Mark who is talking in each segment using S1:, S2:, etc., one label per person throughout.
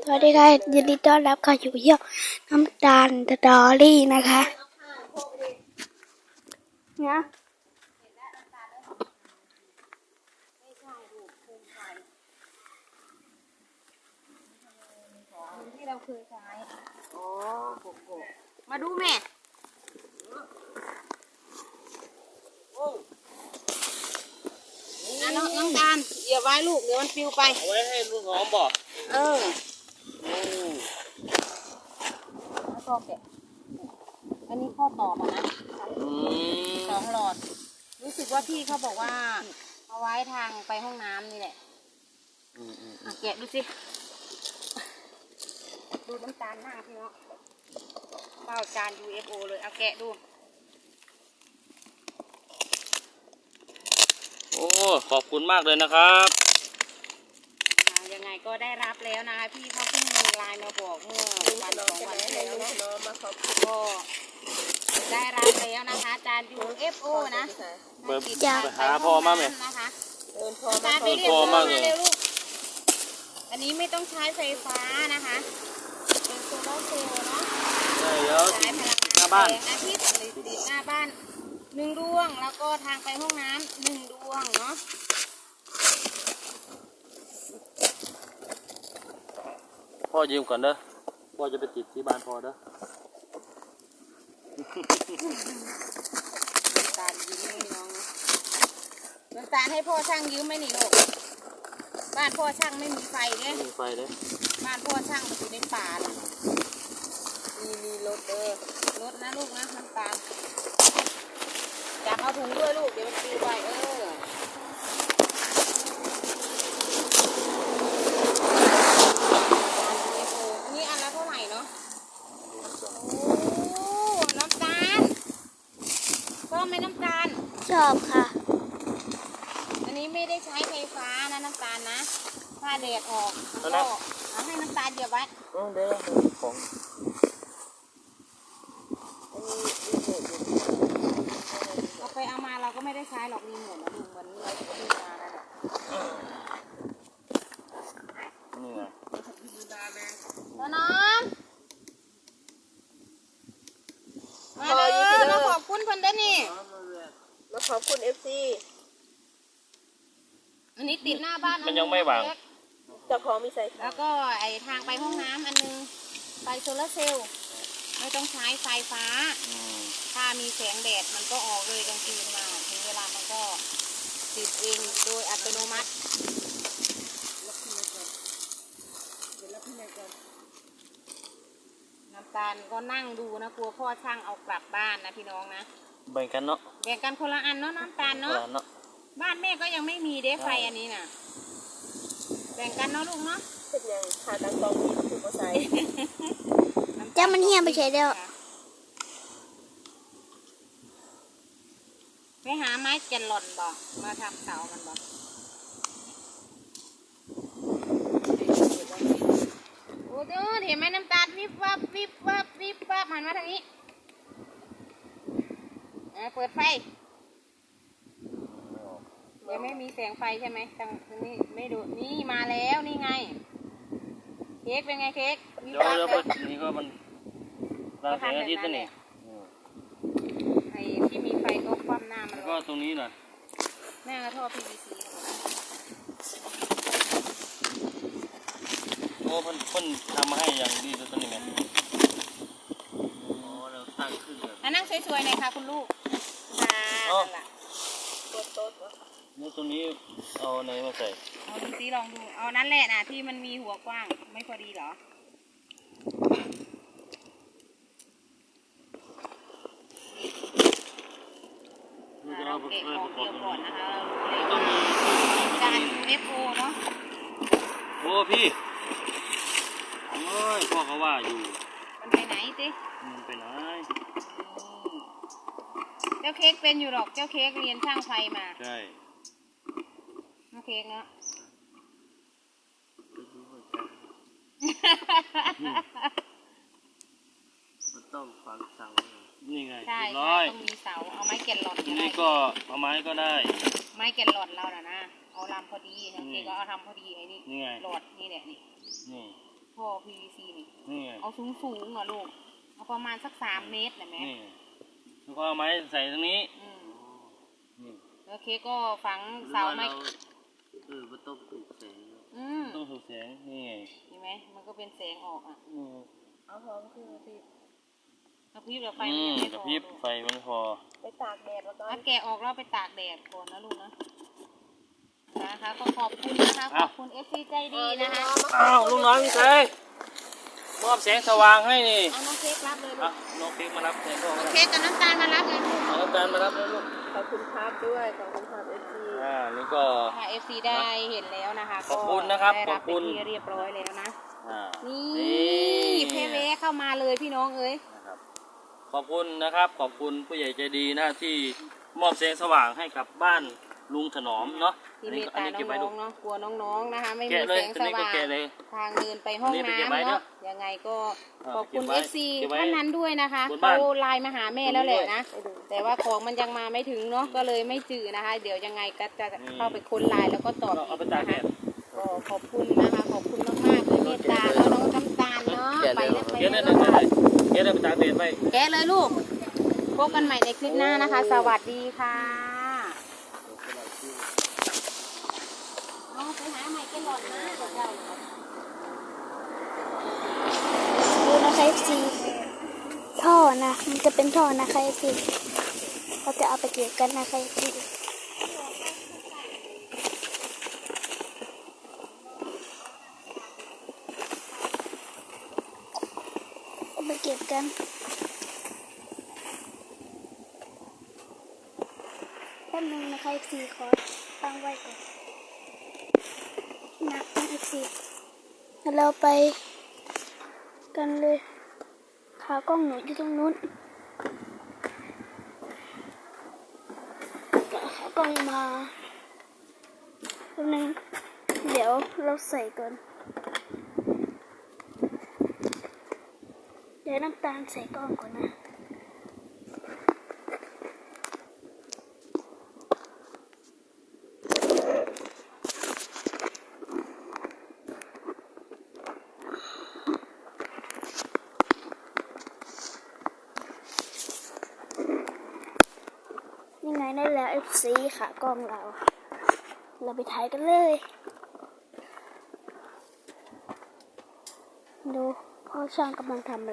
S1: วัสดีค่ะยินดีต้อนรับเข้าสู่ช่องน้ำตาลสตอรี่นะคะเนี่ย
S2: ที่เราเคยใช้อ๋อโกโก้มาดูแม่น้องตาลอย่าไว้ลูกเดี๋ยวมันปลิวไป
S3: เอาไว้ให้ลูกหอมบอก
S2: แล้วก็แกะอันนี้ข้อต่อมานะ2 หลอดรู้สึกว่าพี่เขาบอกว่าเอาไว้ทางไปห้องน้ำนี่แหละแกะดูสิดูน้ำตาลหน้าพี่เนาะเป้าจาน UFO เลยเอาแกะดู
S3: โอ้ขอบคุณมากเลยนะครับ
S2: ยังไงก็ได้รับแล้วนะคะพี่เขาเพิ่งไลน์มาบอกเมื่อวัน2 วันที่แล้วเนาะก็ได้รับแล้วนะคะจาน UFO นะ
S3: ไปหาพ่อมาไหม
S2: นะคะจานไปเรียกพ่อมาเร็วลูกอันนี้ไม่ต้องใช้ไฟฟ้านะคะเป็นโซลาร์เซลล์เนาะ
S3: ใช่แล้ว
S2: ใช้พลังงานแสงอาทิตย์ติดหน้าบ้าน1 ดวงแล้วก็ทางไปห้องน้ำ1 ดวงเนาะ
S3: พ่อยืมก่อนเด้อพ่อจะไปติดที่บ้านพ่อเด้อ
S2: น้ำตาลยืมให้น้องน้ำตาลให้พ่อช่างยืมไหมนี่ลูกบ้านพ่อช่างไม่มีไฟเลย
S3: ไม่มีไฟเลย
S2: บ้านพ่อช่างมันอยู่ในป่าเลยมีรถรถนะลูกนะน้ำตาลจับเอาถุงด้วยลูกเดี๋ยวมันปลิวไปอันนี้อันละเท่าไหร่เนาะโอ้น้ำตาลชอบไหมน้ำตาล
S1: ชอบค่ะ
S2: อันนี้ไม่ได้ใช้ไฟฟ้านะน้ำตาลนะถ้าแดดออกก็เอาให้น้ำตาลเดี๋ยวไว้
S3: เดี๋ยวของ
S2: เอาไปเอามาเราก็ไม่ได้ใช้หรอกรีโมทนะลุงวันนี้เราซื้อมาแล้วเนี่ย
S3: นี่ไง
S2: น้องมาเลยมาขอบคุณเพิ่นได้นี่
S4: มาขอบคุณ FC
S2: อันนี้ติดหน้าบ้าน
S3: มันยังไม่วาง
S4: เจ้าของมีใส่
S2: แล้วก็ไอทางไปห้องน้ำอันนึงไฟโซลาร์เซลล์ไม่ต้องใช้ไฟฟ้าถ้ามีแสงแดดมันก็ออกเลยกลางคืนมาถึงเวลามันก็ติดเองโดยอัตโนมัติน้ำตาลก็นั่งดูนะกลัวพ่อช่างเอากลับบ้านนะพี่น้องนะ
S3: แบ่งกันเนาะ
S2: แบ่งกันคนละอันเนาะน้ำตาลเนาะบ้านแม่ก็ยังไม่มีเด้ไฟอันนี้น่ะแบ่งกันเนาะลูกเนาะ
S4: เป็นยังขาตั้งกองมีถูกก็ใส่
S1: จ้ามันเหี้ยไปใช้เดียว
S2: ไปหาไม้แกนหล่อนบอกมาทำเสามันบอกโอ้เด้อเห็นไหมน้ำตาลวิบวับวิบวับวิบวับหันมาทางนี้เปิดไฟยังไม่มีแสงไฟใช่ไหมทางนี้ไม่ดูนี่มาแล้วนี่ไงเค้กเป็นไงเค้ก
S3: เดี๋ยวนี่ก็มันราแสงอาทิตย์นี่
S2: ไอ้ที่มีไฟก็คว่ำหน้ามัน
S3: แล้วก็ตรงนี้หน่อย
S2: แม่ก็ท่อ PVC
S3: โอ้เพิ่นทำมาให้อย่างดีตัวนี้ไงอ๋อเราตั้งขึ้นเลย
S2: นั่งสวยๆหน่อยค่ะคุณลูกนั่นแหละ
S4: โต๊ะ
S3: นี่ตรงนี้เอาไหนมาใส่
S2: เอาดูซิลองดูเอานั่นแหละนะที่มันมีหัวกว้างไม่พอดีเหรอเราเก็บของเกี่ยวก่อนนะคะจาน UFO เนาะ
S3: โอ้พี่โอ้ยพ่อเขาว่าอยู่
S2: มันไปไหนสิ
S3: มันไปไหน
S2: เจ้าเค้กเป็นอยู่หรอกเจ้าเค้กเรียนช่างไฟมา
S3: ใช่
S2: น้องเค้กเนาะ
S3: มันต้องฝังเสานี่ไง
S2: ใช่ต้องมีเสาเอาไม้แกนหลอด
S3: นี่ก็เอาไม้ก็ได้
S2: ไม้แกนหลอดเราน่ะนะเอาลำพอดีน้องเค้กก็เอาทำพอดีไอ้นี่หลอดนี่แหละนี่ท่อ PVC นี่
S3: นี่ไง
S2: เอาสูงอ่ะลูกเอาประมาณสัก3 เมตรนะแม่
S3: นี่แล้วก็เอาไม้ใส่ตรงนี้
S2: อืม
S3: นี่
S2: แล้วเค้กก็ฝังเสาไม้
S5: มันต้องปลูกแสง
S3: ต้องถูกแสงนี่ไง
S2: เห็นไหมมันก็เป็นแสงออกอ่ะ
S4: เอาพร้อมคือที่
S2: กระพริบแล้วไฟมันยังไม่
S3: กระ
S2: พอ
S3: พริบไฟมันพอ
S4: ไปตากแดดแล้วก็
S2: ถ้าแกะออกแล้วไปตากแดดก่อนนะลูกนะนะคะก็ขอบคุณนะคะขอบคุณ FC ใจดีนะคะ
S3: อ้าวลุงน้อยพี่เต้มอบแสงสว่างให้นี่
S2: เอาน้องเค้กรับเลยลู
S3: อ่ะ
S2: ก
S3: น้องเค้กมารับแทนพ่อ
S2: น้
S3: ก็
S2: อง
S3: ได้
S2: เค้กกับน้ำตาลมารับเลยลูก
S3: เอาน้ำตาลมารับแล้วลูก
S4: ขอบคุณครับด้วยขอบคุณครับ FC
S3: นี่ก็
S2: ค่ะ FC ได้เห็นแล้วนะคะ
S3: ขอบคุณนะครับ
S2: ได้รับ
S3: ขอบคุณ
S2: เป็นที่เรียบร้อยแล้วนะ
S3: อ่า
S2: นี่เพเวเข้ามาเลยพี่น้องเอ้ย
S3: นะครับขอบคุณนะครับ ขอบคุณผู้ใหญ่ใจดีนะที่มอบแสงสว่างให้กับบ้านลุงถนอมเนาะ
S2: ที่เมตตา
S3: เก็บไว้
S2: น้
S3: ดู
S2: องๆเนาะกลัวน้องๆนะคะ ไม่มี
S3: แกะเล
S2: แส
S3: ย
S2: ง
S3: ตัว
S2: ส
S3: นี้ก็
S2: ว่าง
S3: แกะเลย
S2: ทางเดินไปห้อง
S3: นี่ไปเก็บไว้
S2: น้ำ
S3: เน
S2: เนาะ
S3: อะ
S2: ยังไงก็
S3: อ่า
S2: ขอบคุณ
S3: เก็บไว้
S2: FC
S3: เก็บไว้
S2: ท่านนั้นด้วยนะคะ
S3: บน
S2: เขา
S3: บ้าน
S2: ไลน์มาหาแม่แล้วแหละนะแต่ว่าของมันยังมาไม่ถึงเนาะก็เลยไม่จืดนะคะ เดี๋ยวยังไงก็จะเข้าไปค้นไลน์แล้วก็ตอบ
S3: ก็
S2: อี
S3: เอา
S2: ก
S3: ไปตาก
S2: นะ
S3: แด
S2: คะ
S3: ด
S2: ก็ขอบคุณนะคะขอบคุณมากๆเลยเมตตาแล้วน้องน้ำตาลเนาะไปแล้วไป
S3: เก็บได้
S2: แล้ว
S3: เลยเก็บได้ไปตากแดดไป
S2: แกะเลยลูกพบกันใหม่ในคลิปหน้านะคะ สวัสดีค่ะเอาไปหาใหม่แกหลอดนะเดี๋ยวเรา
S1: ดูนะคะ FC ท่อนะมันจะเป็นท่อนะคะ FC เราจะเอาไปเก็บกันนะคะ FC เอาไปเก็บกันแป๊บนึงนะคะ FC ขอตั้งไว้ก่อนหนักนะ FC แล้วเราไปกันเลยขากล้องหนูอยู่ตรงนู้นขากล้องมาแป๊บนึงเดี๋ยวเราใส่ก่อนเดี๋ยวน้ำตาลใส่กล้องก่อนนะยังไงได้แล้ว FC ขากล้องเราไปถ่ายกันเลยดูพ่อช่างกำลังทำอะไร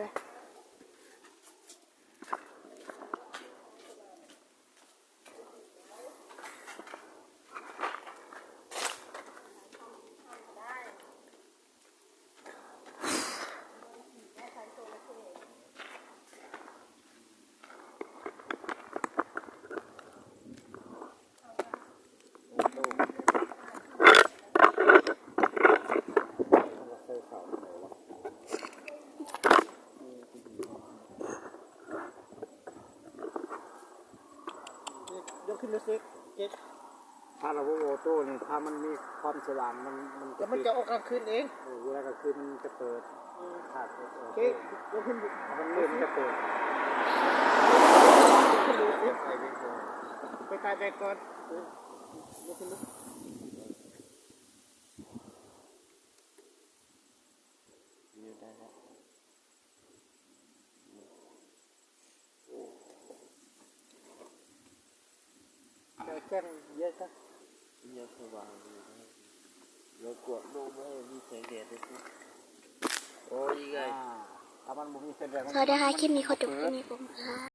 S5: ยกขึ้นดูสิเจ็ดถ้าเราโอโต้เนี่ยถ้ามันมีความสว่างมันจะมันจะออกกลางคืนเองเวลากลางคืนมันจะเปิดขาดโอเคยกขึ้นมันมืดมันจะเปิดขึ้นดูสิไปตายไปก่อนยกขึ้นดูได้แล้วแจ้งเยอะจังเยอะสว่างดีนะเรากดลงไม่ให้มีแสงแดดเลยสิโอ้ยไงถ้ามันมีแสงแดด
S1: สวัสดีค่ะคลิปนี้ขอจบแค่นี้ผมค่ะ